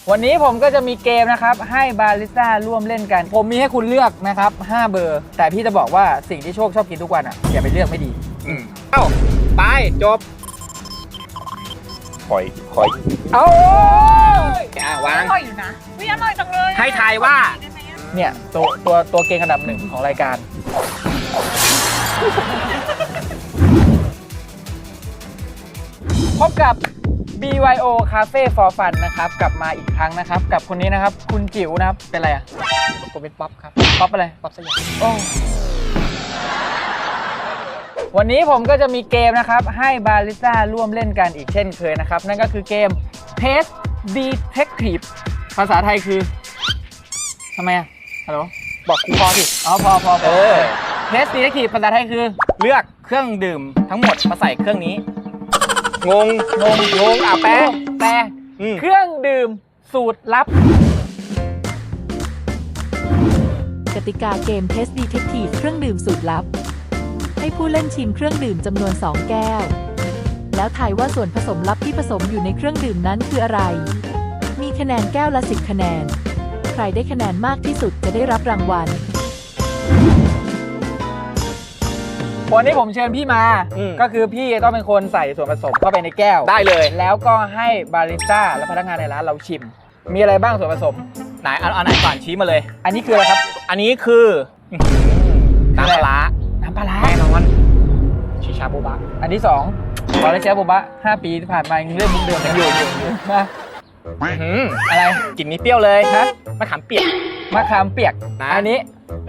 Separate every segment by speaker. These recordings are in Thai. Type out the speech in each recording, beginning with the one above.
Speaker 1: วันนี้ผมก็จะมีเกมนะครับให้บาริสต้าร่วมเล่นกันผมมีให้คุณเลือกนะครับ5เบอร์แต่พี่จะบอกว่าสิ่งที่โชคชอบกินทุกวันอ่ะอย่าไปเลือกไม่ดี
Speaker 2: เอ้าไปจบคอย
Speaker 1: เอา
Speaker 2: วาง
Speaker 3: อร่อยอยู่นะวิอร่อยจังเลย
Speaker 2: ให้ทายว่า
Speaker 1: เนี่ยตัวเก่งอันดับหนึ่งของรายการพบกับ BYO Cafe for Fun นะครับกลับมาอีกครั้งนะครับกับคนนี้นะครับคุณจิ๋วนะครับเป็นอะไรอ่ะผมเป็นป๊อปครับป๊อปอะไรป๊อปสยามโอ้วันนี้ผมก็จะมีเกมนะครับให้บาริสต้าร่วมเล่นกันอีกเช่นเคยนะครับนั่นก็คือเกม Taste Detective ภาษาไทยคือทำไมอ่ะฮัลโหลบอกครูพอสิอ๋อพอTaste Detective ภาษาไทยคือ
Speaker 2: เลือกเครื่องดื่มทั้งหมดมาใส่เครื่องนี้งงแปล
Speaker 1: เครื่องดื่มสูตรลับ
Speaker 4: กติกาเกม Taste Detective เครื่องดื่มสูตรลับให้ผู้เล่นชิมเครื่องดื่มจำนวน2แก้วแล้วทายว่าส่วนผสมลับที่ผสมอยู่ในเครื่องดื่มนั้นคืออะไรมีคะแนนแก้วละ10คะแนนใครได้คะแนนมากที่สุดจะได้รับรางวัล
Speaker 1: วันนี้ผมเชิญพี่มาก็คือพี่ต้องเป็นคนใส่ส่วนผสมเข้าไปในแก้ว
Speaker 2: ได้เลย
Speaker 1: แล้วก็ให้บาริสต้าและพนักงานในร้านเราชิมมีอะไรบ้างส่วนผสม
Speaker 2: ไหนเอาไหนก่อนชี้มาเลย
Speaker 1: อันนี้คืออะไรครับ
Speaker 2: อันนี้คือน้ำปลาแน่นอนชิชาโบบะ
Speaker 1: อันที่2บาริสต้าโบบะ5 ปีที่ผ่านมายังเรื่องมุกเดิมกันอยู่มา
Speaker 2: อะไรกลิ่นนี้เปรี้ยวเลยฮะมะขามเปียก
Speaker 1: นะอันนี้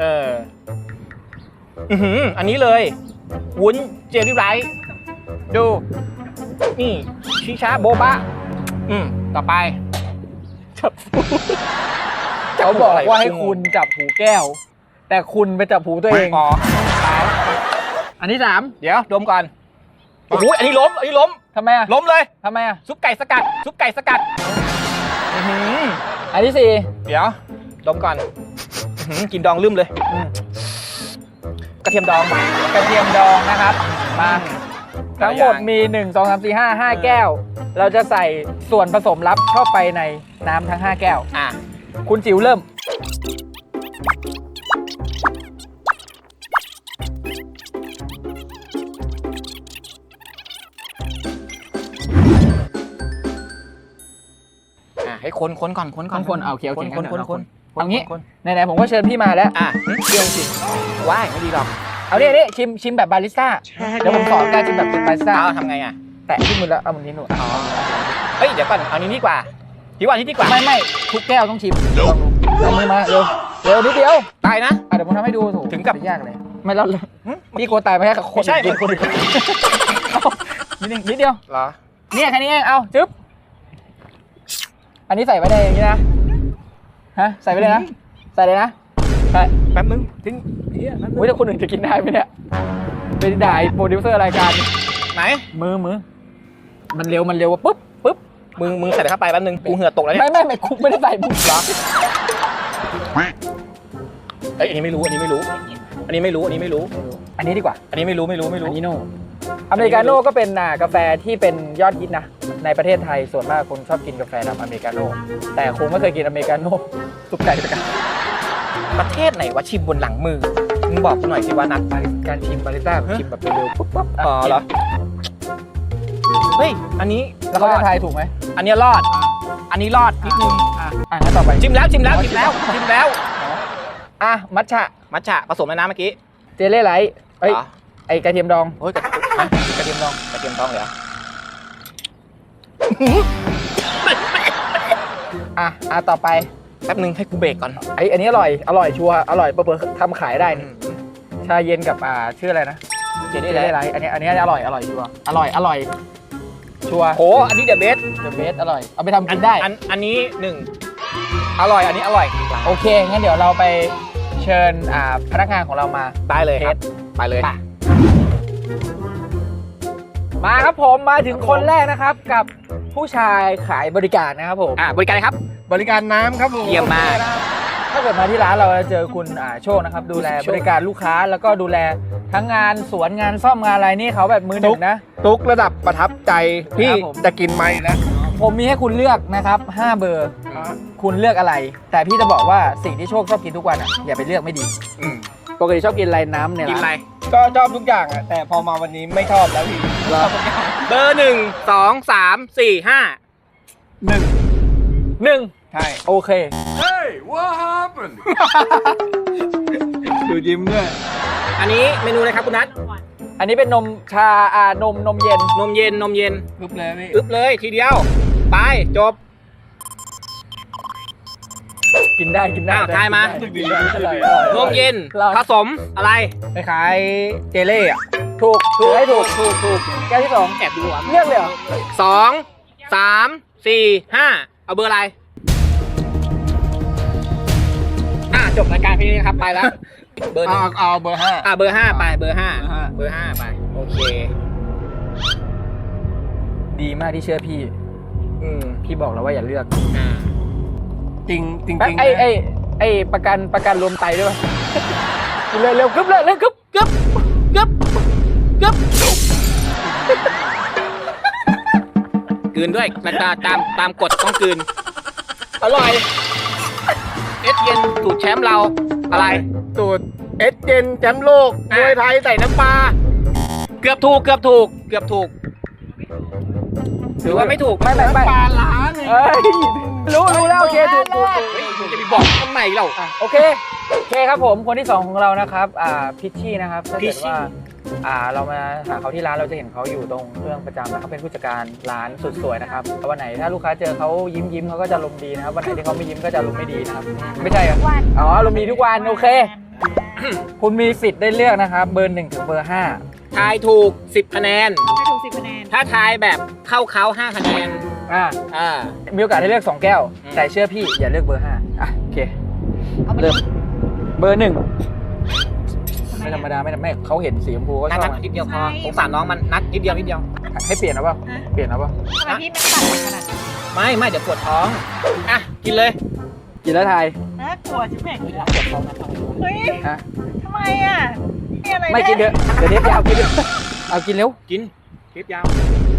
Speaker 2: อันนี้เลยวุ้นเจลลี่ไรซ์ดูนี่ชิชาโบบะต่อไป
Speaker 1: เขาบอกว่าให้คุณจับหูแก้วแต่คุณไปจับหูตัวเองอันที่3
Speaker 2: เดี๋ยวดมก่อนโอ้โหอันนี้ล้ม
Speaker 1: ทำไมอ่ะ
Speaker 2: ล้มเลย
Speaker 1: ทำไมอ่ะ
Speaker 2: ซุปไก่สกัด
Speaker 1: อันที่4
Speaker 2: เดี๋ยวดมก่อนกินดองลืมเลยกระเทียมดอง
Speaker 1: นะครับมาทั้งหมดมี1 2 3 4 5แก้วเราจะใส่ส่วนผสมลับเข้าไปในน้ำทั้ง5แก้วคุณจิ๋วเริ่ม
Speaker 2: ให้คนก่อน
Speaker 1: โอเคเอางี้ไหนๆผมก็เชิญพี่มาแล้ว
Speaker 2: เรื่องสิว้ายไม่ดีหรอก
Speaker 1: เอานี่ชิมแบบบาริสต้าเดี๋ยวผมสอนการชิมแบบบาริสต้า
Speaker 2: ทำไงอ่ะ
Speaker 1: แตะที่มือแล้วเอามือนี้หนู
Speaker 2: เฮ้ยเดี๋ยวก่อนเอานี้ดีกว่าที่ดีกว่า
Speaker 1: ไม่ทุกแก้วต้องชิมเอามือมาเร็วนิดเดียว
Speaker 2: ตายนะ
Speaker 1: เดี๋ยวผมทำให้ดู
Speaker 2: ถึงกับ
Speaker 1: ยากเลยไม่แล้วพี่กลัวตายไหมครับ
Speaker 2: คนใช่คน
Speaker 1: นิดเดียว
Speaker 2: เหรอ
Speaker 1: เนี่ยแค่นี้เองเอาจึ๊บอันนี้ใส่ไว้ได้อย่างนี้นะใส่ไปเลยนะใส่เลยนะใส่
Speaker 2: แป๊บนึงทิ้ง
Speaker 1: ถ้าคนอื่นจะกินได้ไหมเนี่ยเป็นด่าโปรดิวเซอร์รายการ
Speaker 2: ไหน
Speaker 1: มือมันเร็วว่าปุ๊บ
Speaker 2: มึงใส่เข้าไปแป๊บนึงกูเหงื่อตกแล้วเนี่ย
Speaker 1: ไม่คุกไม่ได้ใส่มึงหรอ
Speaker 2: อันนี้ไม่รู้อันนี้
Speaker 1: ดีกว่า
Speaker 2: อันนี้ไม่รู้อันนี้
Speaker 1: โน่อเมริกาโน่ก็เป็นกาแฟที่เป็นยอดฮิตนะในประเทศไทยส่วนมากคนชอบกินกาแฟดำอเมริกาโน่แต่คงไม่เคยกินอเมริกาโน่ซุปไก่สกัด
Speaker 2: ประเทศไหนวะชิมบนหลังมือมึงบอกกูหน่อยสิว่านัด
Speaker 1: การชิมบาริสต้าชิมแบบเร็วๆปุ๊บ
Speaker 2: เหรอเฮ้ยอันนี้
Speaker 1: แล้วเขาจะทายถูกไหม
Speaker 2: อันนี้รอดอันนี้รอดนิดนึง
Speaker 1: งั้นต่อไป
Speaker 2: ชิมแล้ว
Speaker 1: มัทฉะ
Speaker 2: ผสมในน้ำเมื่อกี้
Speaker 1: เจลลี่ไลท์ไอกระเทียมดอง
Speaker 2: กระเทียมดองเหรอ
Speaker 1: ต่อไป
Speaker 2: แป๊บนึงให้กูเบรกก่อน
Speaker 1: อันนี้อร่อยชัวร์อร่อยเปิดทำขายได้นี่ชาเย็นกับชื่ออะไรนะเจลลี่ไลท์อันนี้อร่อยชัวร์อร่อยชัวร์
Speaker 2: โอ้อันนี้เดอะเบส
Speaker 1: อร่อยเอาไปทำกินได้
Speaker 2: อันนี้1อร่อยอันนี้อร่อย
Speaker 1: โอเคงั้นเดี๋ยวเราไปเชิญพนักงานของเรามา
Speaker 2: ได้เลยครับไปเลย
Speaker 1: มาครับผมมาถึงคนแรกนะครับกับผู้ชายขายบริการนะครับผม
Speaker 2: บริการครับ
Speaker 1: บริการน้ำครับผม
Speaker 2: เยี่ยมมาก
Speaker 1: ถ้าเกิดมาที่ร้านเราจะเจอคุณโชคนะครับดูแลบริการลูกค้าแล้วก็ดูแลทั้งงานสวนงานซ่อมงานอะไรนี่เขาแบบมือหนึ่งนะ
Speaker 2: ทุกระดับประทับใจพี่จะกินไหมนะ
Speaker 1: ผมมีให้คุณเลือกนะครับ5เบอร์ คุณเลือกอะไร แต่พี่จะบอกว่าสิ่งที่โชคชอบกินทุกวันอ่ะอย่าไปเลือกไม่ดี
Speaker 2: อืม
Speaker 1: ปกติชอบกินอะไรน้ำเนี่ย
Speaker 2: กินอะไร
Speaker 5: ก็ชอบทุกอย่างอ่ะแต่พอมาวันนี้ไม่ชอบแล้วพี่
Speaker 2: เบอร์ 1 2 3 4 5
Speaker 1: 1
Speaker 5: ใช่
Speaker 1: โอเค
Speaker 5: ดูยิ้มด้วย
Speaker 2: อันนี้เมนูอะไรครับคุณนัท
Speaker 1: อันนี้เป็นนมชานมเย็น
Speaker 2: นมเย็นนมเย็น
Speaker 5: ปึ๊บเลยพี่
Speaker 2: อึ๊บเลยทีเดียว ไปจบ
Speaker 1: กินได้กินได้
Speaker 2: อ้าวทายมา
Speaker 1: กินได้อร่อย
Speaker 2: นมเย็น
Speaker 1: อร่อย
Speaker 2: ผสมอะไร
Speaker 5: คล้ายๆเจเล่อะ
Speaker 1: ถูกให้ถูกแก้วที่สอง
Speaker 2: แอบดูอ่ะ
Speaker 1: เลือกเลยเหรอ
Speaker 2: 2 3 4 5 เอาเบอร์อะไรจบรายการพี่นี้นะครับไปแล้ว เบอร์หนึ่ง
Speaker 5: เอาเบอร์ 5
Speaker 2: เบอร์ 5 ไปเบอร์ 5
Speaker 5: เบอร์ห้า
Speaker 2: เบอร์ 5 ไป โอเค
Speaker 1: ดีมากที่เชื่อพี่ พี่บอกแล้วว่าอย่าเลือก
Speaker 5: จริงจริง
Speaker 1: ไอ้ประกันรวมไตด้วย กินเลยเร็วกึ๊บเลยเร็วกึ๊บ
Speaker 2: กึ๊บกึ๊บกึ๊บกลืนด้วยตามกฎต้องกลืน อร่อย เอสเย็นสูตรแชมป์เราอะไร
Speaker 5: สูตรเอสเจนแชมป์โลกมวยไทยใส่น้ำปลา
Speaker 2: เกือบถูกหรือว่าไม่ถูก
Speaker 1: ไม่
Speaker 5: ปลาล้าน
Speaker 1: เอ้ยรู้แล้วโอเคถูก
Speaker 2: เฮ้ยจะไปบอกทำไมเรา
Speaker 1: โอเคครับผมคนที่2ของเรานะครับพิชชี่นะครับถ้าเกิดว่าเรามาหาเขาที่ร้านเราจะเห็นเขาอยู่ตรงเครื่องประจำนะเขาเป็นผู้จัดการร้านสุดสวยนะครับวันไหนถ้าลูกค้าเจอเขายิ้มเขาก็จะลมณ์ดีนะครับวันไหนที่เขาไม่ยิ้มก็จะลมณ์ไม่ดีนะครับไม่ใช่เหรออ๋อลมณ์ดีทุกวันโอเค คุณมีสิทธิ์ได้เลือกนะครับเบอร์1ถึงเบอร์5
Speaker 2: ทายถูก 10 คะแนน
Speaker 3: ให้ถูก10 คะแนน
Speaker 2: ถ้าทายแบบเข้าเขา5 คะแนน
Speaker 1: มีโอกาสให้เลือก2แก้ว แต่เชื่อพี่อย่าเลือกเบอร์5โอเค
Speaker 3: เอาไป
Speaker 1: เริ่มเบอร์1
Speaker 3: ทำไม
Speaker 1: ไม่ธรรม
Speaker 3: อะ
Speaker 1: ดาไม่เขาเห็นสีชมพูก็ชอบ
Speaker 2: นัดนิดเดียวพอสงสารน้องมันนัดนิดเดียว
Speaker 1: ให้เปลี่ยนนะเปล่าเปลี่ยนนะเปล่า
Speaker 3: ทำไมพี่ไม่ตัดขนาดนั้น
Speaker 2: ไม่เดี๋ยวปวดท้องกินเลย
Speaker 1: กินแล้วทาย
Speaker 3: น่ากลัวชิบแม่งเลยอะ
Speaker 2: ปวดท้องนะ
Speaker 3: เฮ้ย
Speaker 1: ฮะ
Speaker 3: ทำไมอ่ะมีอะไร
Speaker 1: ไม่กินเยอะเดี๋ยวเทปยาวกินเยอะเอากินเร็ว
Speaker 2: กินคลิปยาว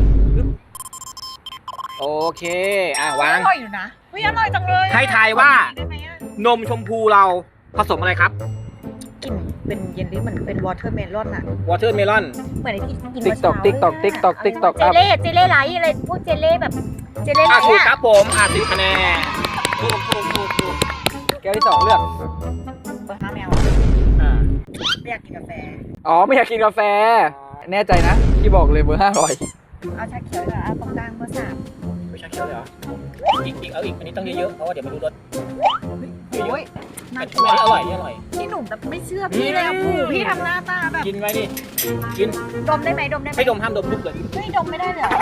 Speaker 2: โอเควาง
Speaker 3: อร่อยอยู่นะเฮ้ยอร่อยจังเลยอะ
Speaker 2: ให้ทายว่า
Speaker 3: ได้ไหมอะ
Speaker 2: นมชมพูเราผสมอะไรครับ
Speaker 3: กลิ่นเป็นเยลลี่เหมือนเป็นวอเตอร์เมลอนอะ
Speaker 2: วอเตอร์เมลอน
Speaker 3: เหมือนไอ้ที่กิน
Speaker 1: ติ๊กตอกติ๊กตอกติ๊กตอกติ๊กตอก
Speaker 3: เจเล่ไลท์อะไรพวกเจเล่แบบเจเล่ไลท์
Speaker 2: ถูก
Speaker 3: อะ
Speaker 2: ครับผม10 คะแนนถูก
Speaker 1: แก้วที่2เลือก
Speaker 3: เบอร์5แมวไม่อยากกินกาแฟ
Speaker 1: อ๋อไม่อยากกินกาแฟ แน่ใจนะที่บอกเลยเบอร์5อร่อย
Speaker 3: เอาชาเขียวเหรอเอาตรงกลางเบอร์3
Speaker 2: ไม่ใช่เคี้ยวเลยเหรออีกเอาอีกอันนี้ต้องเยอะๆเพราะว่าเดี๋ยวไม่รู้รส
Speaker 3: โอ้ยน่า
Speaker 2: อัน
Speaker 3: กลัว
Speaker 2: นี้อร่อยนี่อร่อย
Speaker 3: พี่หนุ่มแบบไม่เชื่อพี่เลยอ่ะผูพี่ทำหน้าตาแบบ
Speaker 2: กินไว้ดิกิน
Speaker 3: ดมได้ไหมดมได้ไหม
Speaker 2: ไม่ดมห้ามดมลุกเลย
Speaker 3: เฮ้ยดมไม่ได้เลยเหรอ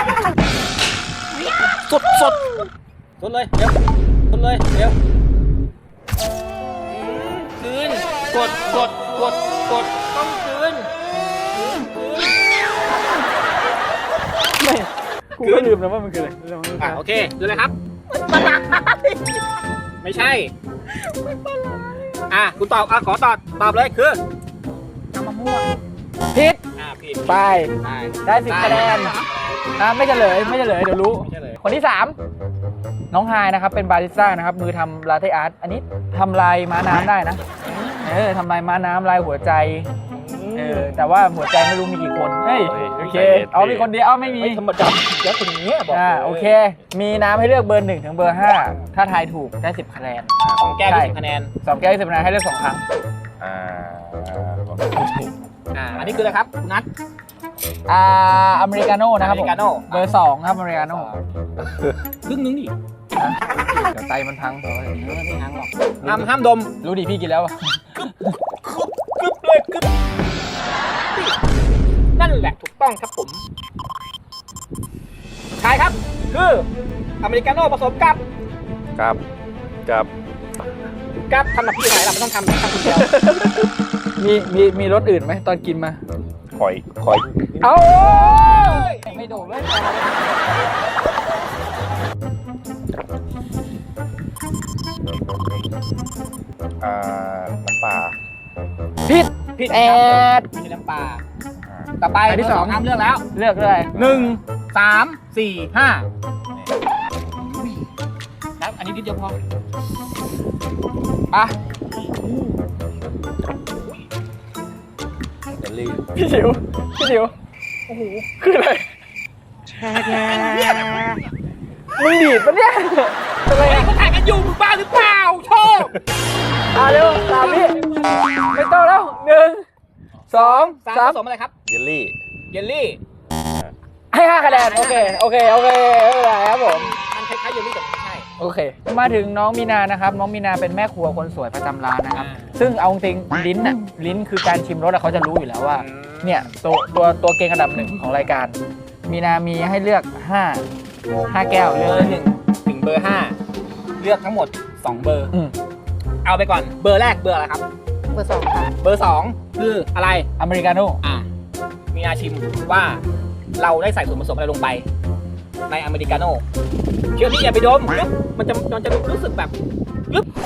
Speaker 2: สดเลยเร็วคืนกดต้องคืน
Speaker 1: ไม่กูก็ลืมแล้วว่ามันคืออะไร
Speaker 2: โอเคดูเลยครับ ไม่ใช่ คุณตอบขอตอบเลยคือ
Speaker 3: เอามะม่วง
Speaker 1: ผิด
Speaker 2: ผิด
Speaker 1: ไปได้10คะแนนไม่เฉลยเดี๋ยวรู้
Speaker 2: ไม่ใช่เลย
Speaker 1: คนที่3น้องไฮายนะครับเป็นบาริสต้านะครับมือทำลาเต้อาร์ตอันนี้ทำลายม้าน้ำได้นะทำลายม้าน้ำลายหัวใจแต่ว่าหัวใจไม่รู้มีกี่คนเฮ้ยโอเคเอามีคนเดียวไม่มี
Speaker 2: ธรรมดาแล้วคนนี้บอก
Speaker 1: โอเคมีน้ำให้เลือกเบอร์1ถึงเบอร์5ถ้าทายถูกได้10คะแนน
Speaker 2: 2 แก้ว20 คะแนน
Speaker 1: 2แก้ว10คะแนนให้เลือก2ครั้ง
Speaker 2: อันนี้คืออะไรครับคุณนัท
Speaker 1: อเมริกาโน่นะครับผม
Speaker 2: Americano
Speaker 1: เบอร์2ครับอเมริกาโน่
Speaker 2: ครึ่งนึงดิ
Speaker 1: เดี๋ยวไตมันพัง
Speaker 2: ไม่หังหรอกห้ามดม
Speaker 1: รู้ดิพี่กินแล้วอะ
Speaker 2: กึบเลยกึบนั่นแหละถูกต้องครับผมทายครับคืออเมริกาโน่ผสมกับ กับทำแบบพี่ไหนล่ะไม่ต้องทำคนเดียว
Speaker 1: มีรสอื่นไหมตอนกินมา
Speaker 5: คอย
Speaker 1: เอาไม่โดดเลย
Speaker 5: น้ำปลา
Speaker 1: ผิดแอด
Speaker 2: ไม่ใช่น้ำปลาต่อไป
Speaker 1: อันที่สอง
Speaker 2: ห้ามเลือกแล้ว
Speaker 1: เลือกเลย
Speaker 2: 1 3 4 5 นิดเดียวพอ
Speaker 1: อ่ะ
Speaker 5: เจลลี่
Speaker 1: พี่จิ๋วโอ้โหคืออะไรมึงดีดปะเนี่ยอะไร
Speaker 2: เฮ้ย
Speaker 1: อ่ะ
Speaker 2: เขาถ่ายกันอยู่มึงบ้าหรือเปล่าโชค
Speaker 1: เร็ว3 วิไม่ต้องแล้ว1 2
Speaker 2: ผ
Speaker 1: 3
Speaker 2: สมอะไรครับ
Speaker 5: เจลลี่
Speaker 2: เยลลี่
Speaker 1: ให้5 คะแนนโอเคไม่เป็นไรครับผม
Speaker 2: มันคล้ายๆเยลลี่แต่ไม่ใช่
Speaker 1: โอเค มาถึงน้องมีนานะครับ น้องมีนาเป็นแม่ครัวคนสวยประจำร้านนะครับ
Speaker 2: อ่า
Speaker 1: ซึ่งเอาจริงๆลิ้นคือการชิมรสอะเขาจะรู้อยู่แล้วว่า เนี่ยตัวเก่งอันดับหนึ่งของรายการ มีนามีให้เลือก5 แก้ว
Speaker 2: เบ
Speaker 1: เลื
Speaker 2: อ
Speaker 1: อก
Speaker 2: ร์1 ถึงเบอร์ 5 เลือกทั้งหมด 2 เบอร์
Speaker 1: อืม
Speaker 2: เอาไปก่อนเบอร์แรกเบอร์อะไรครับ
Speaker 3: เบอร์ 2 ค่ะ
Speaker 2: เบอร์ 2 คืออะไร
Speaker 1: อเมริกาโน่
Speaker 2: มีนาชิมว่าเราได้ใส่ส่วนผสมอะไรลงไป ในอเมริกาโน่เชื่อพี่อย่าไปดมมันจะรู้สึกแบบกึ๊บ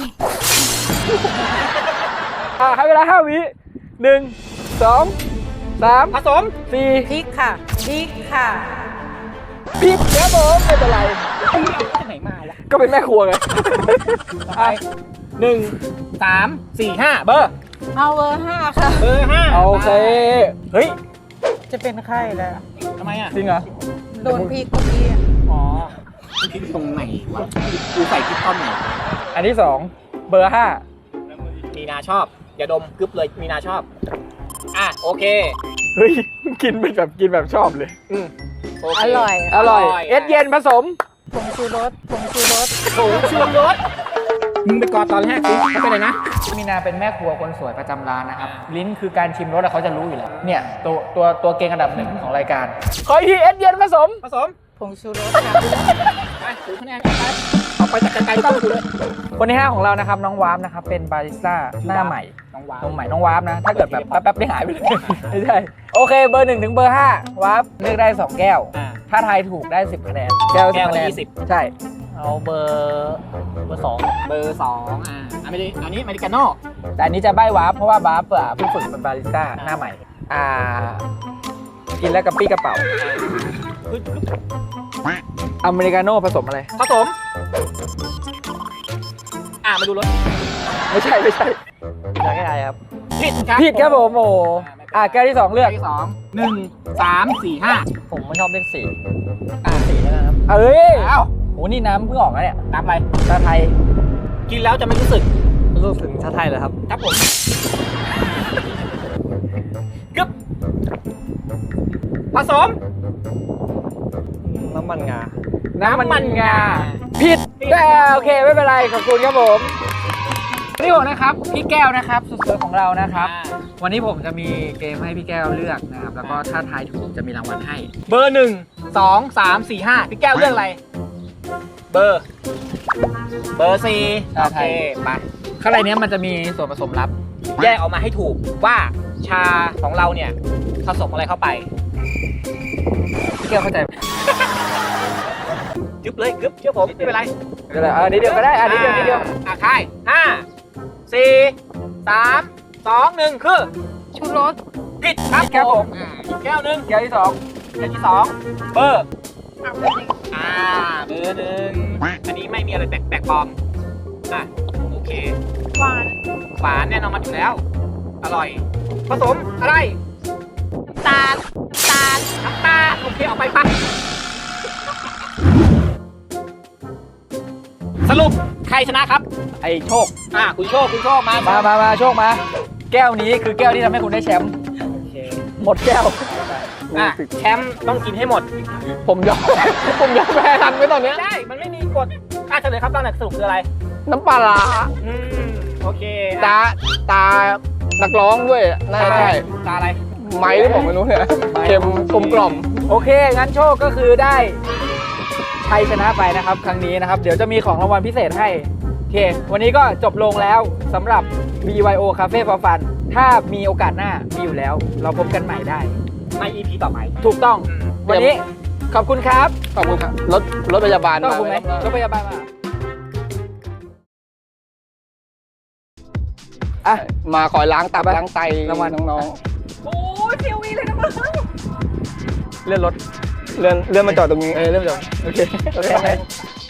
Speaker 1: ให้เวลา5 วิ1 2 3
Speaker 2: ผสม
Speaker 1: 4
Speaker 3: พริกค่ะพริกค่ะ
Speaker 1: ผิดครับผมไม่เป็นไร
Speaker 2: เอาที่ไหนมาวะ
Speaker 1: ก็เป็นแม่ครัวไง
Speaker 2: ไป1 3 4 5 เบอร์
Speaker 3: เอาเบอร์ 5 ค่ะ
Speaker 2: เบอร์5
Speaker 1: โอเค เฮ้ย
Speaker 3: จะเป็นไข้แล้ว
Speaker 2: ทำไมอ่ะ
Speaker 1: จริงเหรอ
Speaker 3: โดนพริกเมื่อกี้
Speaker 2: อ๋อพริกตรงไหนวะกูใส่พริกตอนไหน
Speaker 1: อันที่2เบอร์ 5
Speaker 2: มีนาชอบ อย่าดมกึ๊บเลยมีนาชอบโอเค
Speaker 1: เฮ้ย กินแบบชอบเลย
Speaker 2: โเค
Speaker 3: อร่อย
Speaker 1: อร่อย เอสเย็นผสม
Speaker 3: ผงชูรส
Speaker 2: ผงชูรสมึงไปกอดตอนแรกสิเขาไปไหนนะ
Speaker 1: มีนาเป็นแม่ครัวคนสวยประจำร้านนะครับ ลิ้นคือการชิมรสอะเขาจะรู้อยู่แล้ว เนี่ยตัวเก่งอันดับหนึ่งของรายการ ขออีกทีเอสเย็นผสม
Speaker 2: ผสม
Speaker 3: ผงชูรสค่ะ
Speaker 2: ไปถือคะแนนไปเอาไปจากไกลๆต้องกูเลย
Speaker 1: คนที่ 5 ของเรานะครับ น้องวามนะครับ เป็นบาริสต้าหน้าใหม่
Speaker 2: น้องวาว
Speaker 1: น้องใหม่น้องวามนะ ถ้าเกิดแบบแป๊บๆได้หายไปเลย ไม่ใช่ โอเค เบอร์ 1 ถึงเบอร์ 5 วามเลือกได้ 2 แก้ว ถ้าทายถูกได้ 10 คะแนน แก้ว 10 คะแนน
Speaker 2: 20
Speaker 1: ใช่
Speaker 5: เอาเบอร์2
Speaker 2: เบอร์2อันนี้อเมริกาโน่
Speaker 1: แต่อันนี้จะใบ้วาร์ปเพราะว่าบาร์ปเพิ่งฝึกเป็นบาริสต้าหน้าใหม่ กินแล้วกระปี้กระเป๋า อเมริกาโน่ผสมอะไร
Speaker 2: ผสมมาดูรส
Speaker 1: ไม่ใช่
Speaker 5: อยากให้อะไรครับ
Speaker 2: ผิดครับ
Speaker 1: ผิดครับผมโอ้โหแก้วที่ 2 เลือก
Speaker 2: ที่2 1 3 4 5
Speaker 5: ผมไม่ชอบเลข4
Speaker 2: 4แล้วนะครับ
Speaker 1: เอ้ย
Speaker 2: อ้าว
Speaker 1: โหนี่น้ำเพิ่งออกนะเนี่ย
Speaker 2: น้ำอะไร
Speaker 1: ชาไทย
Speaker 2: กินแล้วจะไม่รู้สึก
Speaker 5: รู้สึกถึงชาไทยเหรอครับ
Speaker 2: ครับผมกึ๊บผสม
Speaker 5: น้ำมันงา
Speaker 1: น้ำมันงา ผิดแต่โอเคไม่เป็นไร ขอบคุณครับผม นี่ผมนะครับ พี่แก้วนะครับสุดสวยของเรานะครับ วันนี้ผมจะมีเกมให้พี่แก้วเลือกนะครับ แล้วก็ถ้าทายถูกจะมีรางวัลให้
Speaker 2: เบอร์ 1 2 3 4 5พี่แก้วเลือกอะไร เบอร์ 4
Speaker 1: ชาไทย
Speaker 2: โอเคไป
Speaker 1: ข้างในเนี้ยมันจะมีส่วนผสมลับ
Speaker 2: แยกออกมาให้ถูกว่าชาของเราเนี่ยผสมอะไรเข้าไป
Speaker 1: พี่แก้วเข้าใจไหม
Speaker 2: กึ๊บเลยกึ๊บเชื่อผมไม่เป็นไร
Speaker 1: ก็ได้นิดเดียวก็ได้นิดเดียว
Speaker 2: ค่าย5 4 3 2 1 คือ
Speaker 3: ชูรส
Speaker 2: ผิดครับผมอีกแก้วหนึ่ง
Speaker 1: แก้วที่
Speaker 2: แก้วที่2เบอร์เบอร์ 1อันนี้ไม่มีอะไรแปลกปลอมโอเค
Speaker 3: หวาน
Speaker 2: หวานแน่นอนมันอยู่แล้ว อร่อย ผสมอะไร
Speaker 3: น้ำตาล
Speaker 2: น้ำตาลโอเคเอาไปปะสรุปใครชนะครับ
Speaker 1: 2ไอ้โชค
Speaker 2: คุณโชคมา
Speaker 1: มาโชคมา แก้วนี้คือแก้วที่ทำให้คุณได้แชมป์
Speaker 2: โอเค
Speaker 1: หมดแก้ว
Speaker 2: แชมป์ต้องกินให้หมด
Speaker 1: ผมยอม แพ้ทันไปตอนเนี้ย
Speaker 2: ได้ มันไม่มีกฎเฉลยครับตอนไหนสรุปคืออะไร
Speaker 1: น้ำปลาร้า
Speaker 2: โอเค
Speaker 5: ตานักร้องด้วยน่าจะใช่
Speaker 2: ตาอะไร
Speaker 5: ไม้หรือผมไม่รู้เนี่ยเค็มกลมกล่อม
Speaker 1: โอเค งั้นโชคก็คือได้ชัยชนะไปนะครับ ครั้งนี้นะครับ เดี๋ยวจะมีของรางวัลพิเศษให้ โอเค วันนี้ก็จบลงแล้วสำหรับ BYO Cafe for Fun ถ้ามีโอกาสหน้ามีอยู่แล้ว เราพบกันใหม่ได้
Speaker 2: ใน EP ต่อไป
Speaker 1: ถูกต้อง วันนี้ขอบคุณครับ
Speaker 5: ขอบคุณครับรถพยาบาล
Speaker 1: ต้องขอบคุณไหม
Speaker 5: ครับ
Speaker 1: รถพยาบาลมาอ่ะ
Speaker 5: มาขอล้างตับ
Speaker 1: ไป
Speaker 5: ล้างไต
Speaker 1: รางวัล
Speaker 5: น้อง
Speaker 2: โอ้ยเทียววีเลยนะมึง
Speaker 1: เลื่อนรถ
Speaker 5: ๆเลื่อนมาจอดตรงนี้
Speaker 1: เริ่มจบโอเค
Speaker 5: โอเค